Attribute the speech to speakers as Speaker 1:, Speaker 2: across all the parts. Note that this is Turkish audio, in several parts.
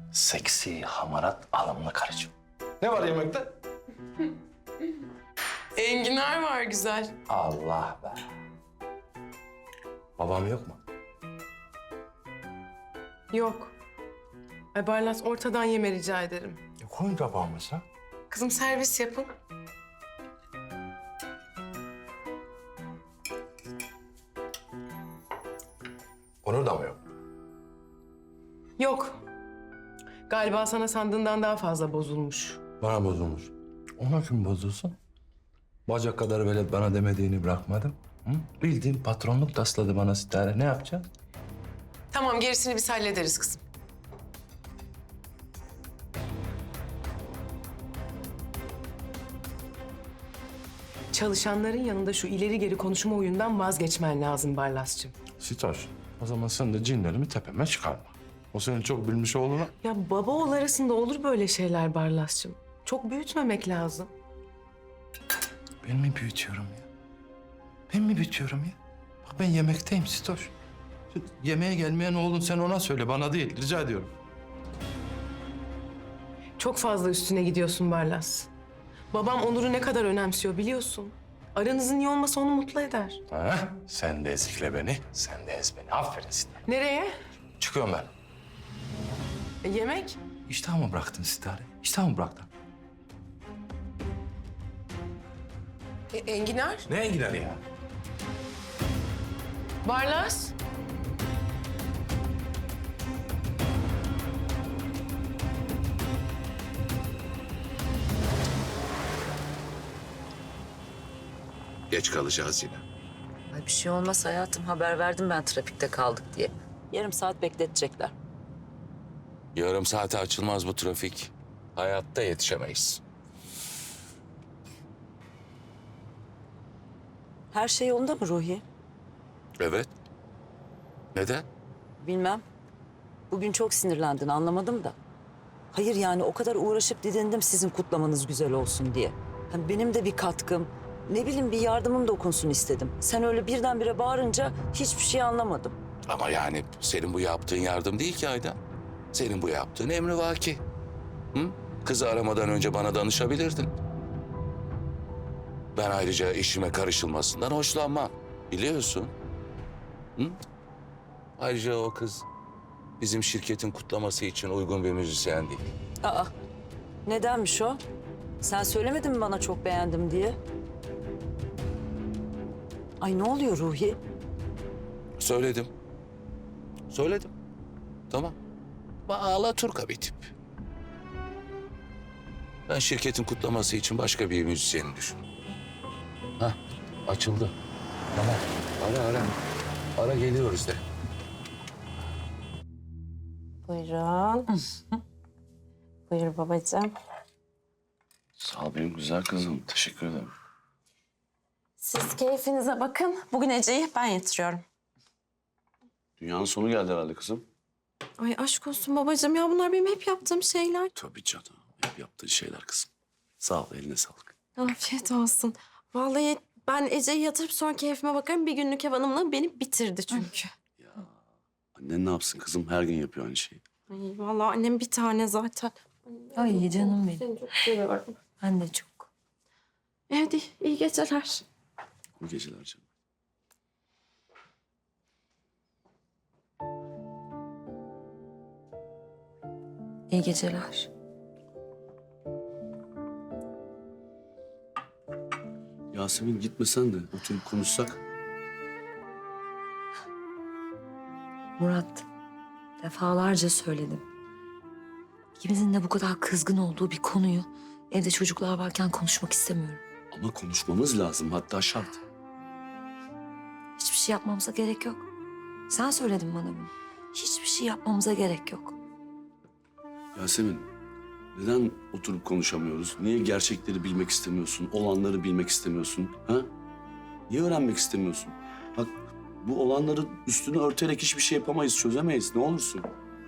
Speaker 1: Seksi, hamarat, alımlı karıcığım. Ne var yemekte?
Speaker 2: Enginar var güzel.
Speaker 1: Allah be. Babam yok mu?
Speaker 2: Yok. Ay Barlas ortadan yeme rica ederim.
Speaker 1: Koyun tabağımıza.
Speaker 2: Kızım servis yapın.
Speaker 1: Onur da mı yok?
Speaker 2: Yok. Galiba sana sandığından daha fazla bozulmuş.
Speaker 1: Bana bozulmuş. Ona kim bozulsun? Bacak kadar velet bana demediğini bırakmadım. Hı? Bildiğin patronluk tasladı bana Sitare. Ne yapacağız?
Speaker 2: Tamam gerisini biz hallederiz kızım. Çalışanların yanında şu ileri geri konuşma oyundan vazgeçmen lazım Barlas'cığım.
Speaker 1: Sitoş, o zaman sen de cinlerimi tepeme çıkarma. O senin çok bilmiş oğluna.
Speaker 2: Ya baba oğul arasında olur böyle şeyler Barlas'cığım. Çok büyütmemek lazım.
Speaker 1: Ben mi büyütüyorum ya? Ben mi büyütüyorum ya? Bak ben yemekteyim Sitoş. Yemeğe gelmeyen oğlun sen ona söyle, bana değil. Rica ediyorum.
Speaker 2: Çok fazla üstüne gidiyorsun Barlas. Babam Onur'u ne kadar önemsiyor biliyorsun. Aranızın iyi olması onu mutlu eder.
Speaker 1: Ha? Sen de ezikle beni, sen de ez beni. Aferin Sitare.
Speaker 2: Nereye?
Speaker 1: Çıkıyorum ben.
Speaker 2: Yemek?
Speaker 1: İştahımı bıraktın Sitare. İştahımı bıraktın.
Speaker 2: Enginar?
Speaker 1: Neye gider ya?
Speaker 2: Barlas?
Speaker 3: Geç kalacağız yine.
Speaker 4: Ay bir şey olmaz hayatım. Haber verdim ben trafikte kaldık diye. Yarım saat bekletecekler.
Speaker 3: Yarım saate açılmaz bu trafik. Hayatta yetişemeyiz.
Speaker 4: Her şey yolunda mı Ruhi?
Speaker 3: Evet. Neden?
Speaker 4: Bilmem. Bugün çok sinirlendin anlamadım da. Hayır yani o kadar uğraşıp didindim sizin kutlamanız güzel olsun diye. Hani benim de bir katkım, ne bileyim bir yardımım dokunsun istedim. Sen öyle birdenbire bağırınca hiçbir şey anlamadım.
Speaker 3: Ama yani senin bu yaptığın yardım değil ki Aydan. Senin bu yaptığın emrivaki. Hı? Kızı aramadan önce bana danışabilirdin. Ben ayrıca işime karışılmasından hoşlanmam. Biliyorsun. Hı? Ayrıca o kız bizim şirketin kutlaması için uygun bir müzisyen değil.
Speaker 4: Aa, nedenmiş o? Sen söylemedin mi bana çok beğendim diye? Ay ne oluyor Ruhi?
Speaker 3: Söyledim. Söyledim. Tamam. Alaturka bir tip. Ben şirketin kutlaması için başka bir müzisyeni düşün. Hah, açıldı. Tamam. Ara. Ara geliyoruz de.
Speaker 5: Buyurun. Buyur babacığım.
Speaker 6: Sağ ol benim güzel kızım. Teşekkür ederim.
Speaker 5: Siz keyfinize bakın. Bugün Ece'yi ben yatırıyorum.
Speaker 6: Dünyanın sonu geldi herhalde kızım.
Speaker 5: Ay aşk olsun babacığım ya bunlar benim hep yaptığım şeyler.
Speaker 6: Tabii canım. Hep yaptığın şeyler kızım. Sağ ol, eline sağlık.
Speaker 5: Afiyet olsun. Vallahi ben Ece'yi yatırıp sonra keyfime bakarım. Bir günlük ev hanımlığı beni bitirdi çünkü.
Speaker 6: Annen ne yapsın kızım? Her gün yapıyor aynı şeyi.
Speaker 5: Ay vallahi annem bir tane zaten.
Speaker 4: Ay canım benim.
Speaker 5: Seni çok seviyorum.
Speaker 4: Ben de çok.
Speaker 5: Hadi iyi geceler.
Speaker 6: Bu geceler canım.
Speaker 4: İyi geceler.
Speaker 6: Yasemin gitmesen de oturup konuşsak.
Speaker 4: Murat, defalarca söyledim. İkimizin de bu kadar kızgın olduğu bir konuyu evde çocuklar varken konuşmak istemiyorum.
Speaker 6: Ama konuşmamız lazım, hatta şart.
Speaker 4: Hiçbir şey yapmamıza gerek yok. Sen söyledin bana bunu. Hiçbir şey yapmamıza gerek yok.
Speaker 6: Yasemin, neden oturup konuşamıyoruz? Niye gerçekleri bilmek istemiyorsun? Olanları bilmek istemiyorsun? Ha? Niye öğrenmek istemiyorsun? Bak, bu olanları üstünü örterek hiçbir şey yapamayız, çözemeyiz. Ne olursun.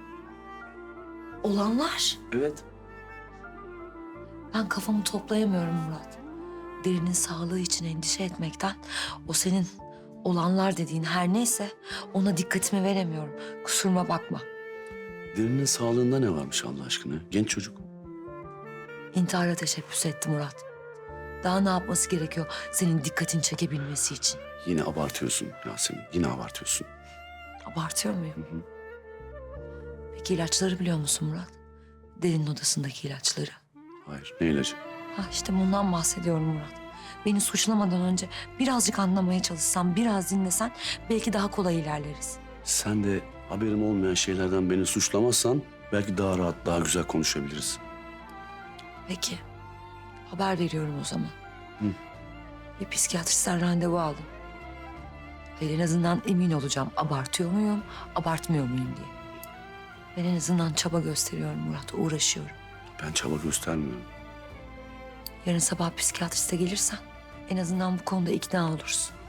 Speaker 4: Olanlar.
Speaker 6: Evet.
Speaker 4: Ben kafamı toplayamıyorum Murat. Derinin sağlığı için endişe etmekten o senin olanlar dediğin her neyse ona dikkatimi veremiyorum. Kusuruma bakma.
Speaker 6: Derinin sağlığında ne varmış Allah aşkına? Genç çocuk.
Speaker 7: İntihara teşebbüs etti Murat. Daha ne yapması gerekiyor senin dikkatini çekebilmesi için?
Speaker 6: Yine abartıyorsun Yasemin. Yine abartıyorsun.
Speaker 7: Abartıyor muyum? Peki ilaçları biliyor musun Murat? Derinin odasındaki ilaçları.
Speaker 6: Hayır. Ne ilacı?
Speaker 7: Ha işte bundan bahsediyorum Murat. Beni suçlamadan önce birazcık anlamaya çalışsan, biraz dinlesen belki daha kolay ilerleriz.
Speaker 6: Sen de haberim olmayan şeylerden beni suçlamazsan belki daha rahat, daha güzel konuşabiliriz.
Speaker 7: Peki. Haber veriyorum o zaman.
Speaker 6: Hı.
Speaker 7: Bir psikiyatristten randevu aldım. Hayır, en azından emin olacağım abartıyor muyum, abartmıyor muyum diye. Ben en azından çaba gösteriyorum Murat, uğraşıyorum.
Speaker 6: Ben çaba göstermiyorum.
Speaker 7: Yarın sabah psikiyatriste gelirsen en azından bu konuda ikna olursun.